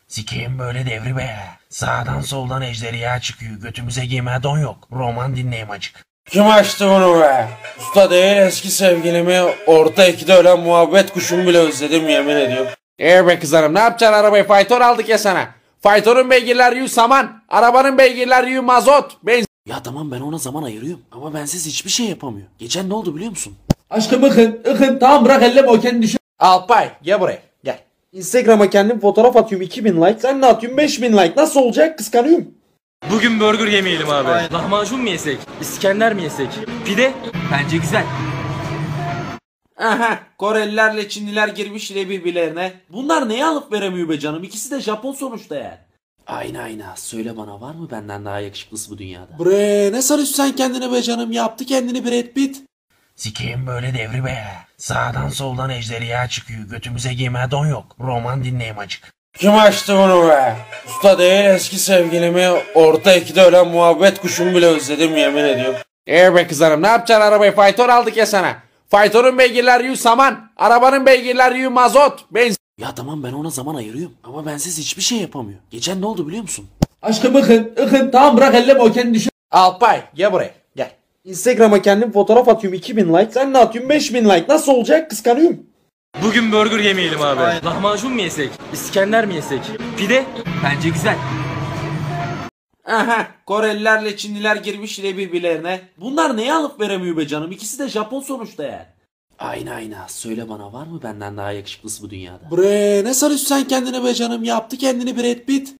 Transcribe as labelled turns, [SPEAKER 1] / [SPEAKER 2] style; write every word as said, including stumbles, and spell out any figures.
[SPEAKER 1] Sikeyim böyle devri be. Sağdan soldan ejderha çıkıyor. Götümüze giyme don yok. Roman dinleyeyim acık.
[SPEAKER 2] Kim açtı bunu be? Usta değil eski sevgilimi, orta ikide ölen muhabbet kuşumu bile özledim yemin ediyorum. Eee be kızarım, ne yapacaksın arabayı? Fayton aldık ya sana. Faytonun beygirler yü saman. Arabanın beygirler yü mazot. Benzin.
[SPEAKER 3] Ya tamam ben ona zaman ayırıyorum ama bensiz hiçbir şey yapamıyor. Geçen ne oldu biliyor musun?
[SPEAKER 2] Aşkım ıkın ıkın tamam bırak elleme o kendi düşün. Alpay gel buraya gel. Instagram'a kendim fotoğraf atıyorum iki bin like. Sen ne atıyorsun beş bin like. Nasıl olacak? Kıskanıyorum.
[SPEAKER 4] Bugün burger yemeyelim abi. Aynen. Lahmacun mu yesek? İskender mi yesek? Pide? Bence güzel.
[SPEAKER 3] Aha, Korelilerle Çinliler girmiş yine birbirlerine. Bunlar neye alıp veremiyor be canım? İkisi de Japon sonuçta yani. Ayna ayna söyle bana, var mı benden daha yakışıklısı bu dünyada?
[SPEAKER 2] Bre ne sarıyorsun sen kendine be canım? Yaptı kendini Brad Pitt.
[SPEAKER 1] Sikeyim böyle devri be. Sağdan soldan ejderha çıkıyor. Götümüze giyme don yok. Roman dinleyeyim acık.
[SPEAKER 2] Kim açtı bunu be? Usta değil eski sevgilimi, orta ikide ölen muhabbet kuşumu bile özledim yemin ediyorum. Eee be kızarım, ne yapacaksın arabayı? Fayton aldık ya sana. Faytonun beygirler yü saman. Arabanın beygirler yü mazot. Benzin.
[SPEAKER 3] Ya tamam ben ona zaman ayırıyorum ama bensiz hiçbir şey yapamıyor. Geçen ne oldu biliyor musun?
[SPEAKER 2] Aşkım ıkın ıkın tamam bırak elleme o kendi düşün. Alpay gel buraya gel. Instagram'a kendim fotoğraf atıyorum iki bin like. Sen ne atıyorsun beş bin like. Nasıl olacak? Kıskanıyorum.
[SPEAKER 4] Bugün burger yemeyelim abi. Aynen. Lahmacun mu yesek? İskender mi yesek? Pide? Bence güzel.
[SPEAKER 3] Aha, Korelilerle Çinliler girmiş yine birbirlerine. Bunlar neye alıp veremiyor be canım? İkisi de Japon sonuçta yani. Ayna ayna söyle bana, var mı benden daha yakışıklısı bu dünyada?
[SPEAKER 2] Bre ne sarıyorsun sen kendine be canım? Yaptı kendini Brad Pitt.